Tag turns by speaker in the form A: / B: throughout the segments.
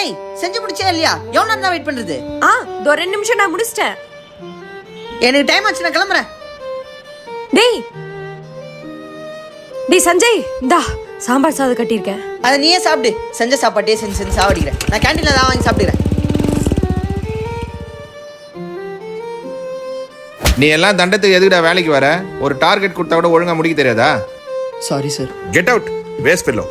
A: ஏய் செஞ்சு முடிச்சே இல்லையா? எவ்வளவு நேரம் தான் வெயிட் பண்றது?
B: இதோ 2 நிமிஷம் நான் முடிச்சிட்டேன்.
A: எனக்கு டைம் ஆச்சு, நான் கிளம்புறேன்.
B: டேய் சஞ்சய், இந்தா சாம்பார் சாதம் கட்டியிருக்கேன்.
A: அதை நீயே சாப்பிடு. செஞ்ச சாப்பாட்டே செஞ்சு சாப்பிடுகிறேன். நான் கேண்டீன்ல தான் வாங்கி சாப்பிடுறேன்.
C: நீ எல்லாம் தண்டத்துக்கு எதுக்குடா வேலைக்கு வர? ஒரு டார்கெட் கொடுத்தா கூட ஒழுங்கா முடிக்க தெரியாதா?
A: Sorry sir.
C: Get out, waste fellow.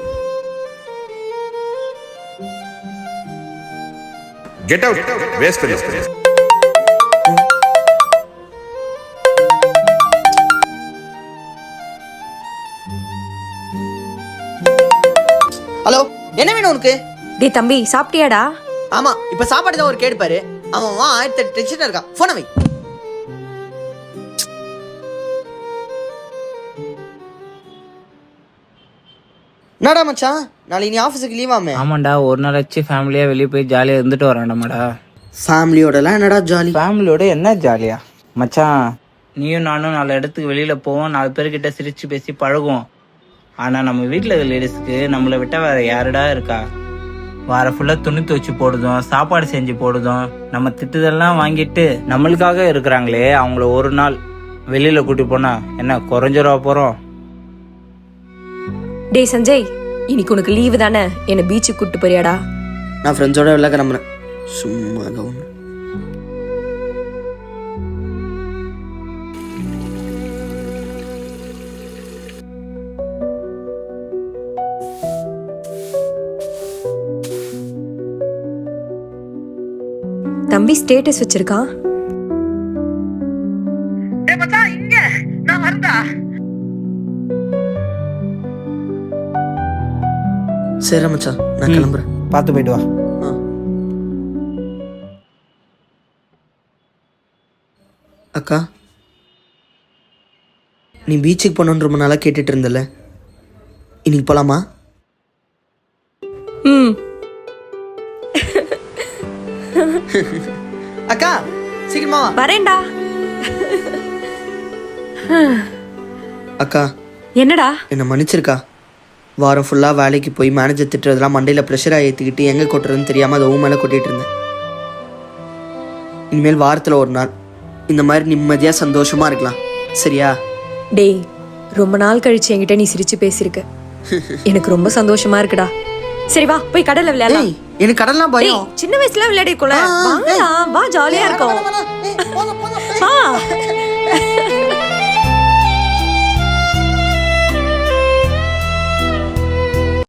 C: Get out, waste fellow.
A: Hello, என்ன வேணும் உனக்கு?
B: டேய் தம்பி, சாப்பிட்டியாடா?
A: ஆமா, இப்ப சாப்பாடு தான் ஒரு கேடுப்பாரு. அவன் 1008 டென்ஷனா இருக்கான். போன வை. என்னடா மச்சான், நாளைக்கு நீ ஆஃபீஸுக்கு லீவாமே?
D: ஆமாண்டா, ஒரு நாள் வச்சு ஃபேமிலியா வெளியே போய் ஜாலியாக இருந்துட்டு வரேன்டாமாடா.
A: ஃபேமிலியோடலாம் என்னடா ஜாலி?
D: ஃபேமிலியோட என்ன ஜாலியா மச்சான்? நீயும் நானும் 4 இடத்துக்கு வெளியில போவோம், 4 பேர்கிட்ட சிரிச்சு பேசி பழகுவோம். ஆனா நம்ம வீட்டில் இருக்க லேடிஸ்க்கு நம்மளை விட்டா வேற யாருடா இருக்கா? வார ஃபுல்லா துணி துவச்சி போடுதும், சாப்பாடு செஞ்சு போடுதும், நம்ம திட்டுதெல்லாம் வாங்கிட்டு நம்மளுக்காக இருக்கிறாங்களே, அவங்கள ஒரு நாள் வெளியில கூட்டி போனா என்ன குறைஞ்சிரவா போறோம்?
B: டேய் சஞ்சய், இன்னைக்கு உனக்கு லீவு தானே, என்ன பீச்சுக்கு கூட்டு போறியாடா?
A: நான் ஃப்ரெண்ட்ஸோட வெளில கிளம்புறேன். சும்மா தான்.
B: தம்பி ஸ்டேட்டஸ் வச்சிருக்கான்.
A: சரி மச்சான், நான் கிளம்புறேன்.
D: பார்த்து போயிட்டு வா.
A: அக்கா, நீ பீச்சுக்கு போனோன்னு ரொம்ப நாளாக கேட்டுட்டு இருந்தல, இன்னைக்கு போலாமா? அக்கா சீக்கிரமா
B: வரேன்டா.
A: அக்கா,
B: என்னடா?
A: என்னை மன்னிச்சிருக்கா. வாரம் ஃபுல்லாக வேலைக்கு போய் மேனேஜர் திட்டுறதுலாம் மண்டையில் ப்ரெஷராக ஏற்றிக்கிட்டு எங்கே கொட்டுறதுன்னு தெரியாமல் அதை மேலே கொட்டிகிட்டு இருந்தேன். இனிமேல் வாரத்தில் ஒரு நாள் இந்த மாதிரி நிம்மதியாக சந்தோஷமாக இருக்கலாம், சரியா?
B: டேய், ரொம்ப நாள் கழிச்சு என்கிட்ட நீ சிரிச்சு பேசியிருக்க. எனக்கு ரொம்ப சந்தோஷமா இருக்குடா. சரி வா, போய் கடல்ல விளையாடலாம்.
A: எனக்கு கடல்லாம் பயம்.
B: சின்ன வயசுல விளையாடிக்கோல. வா ஜாலியா இருக்கும்.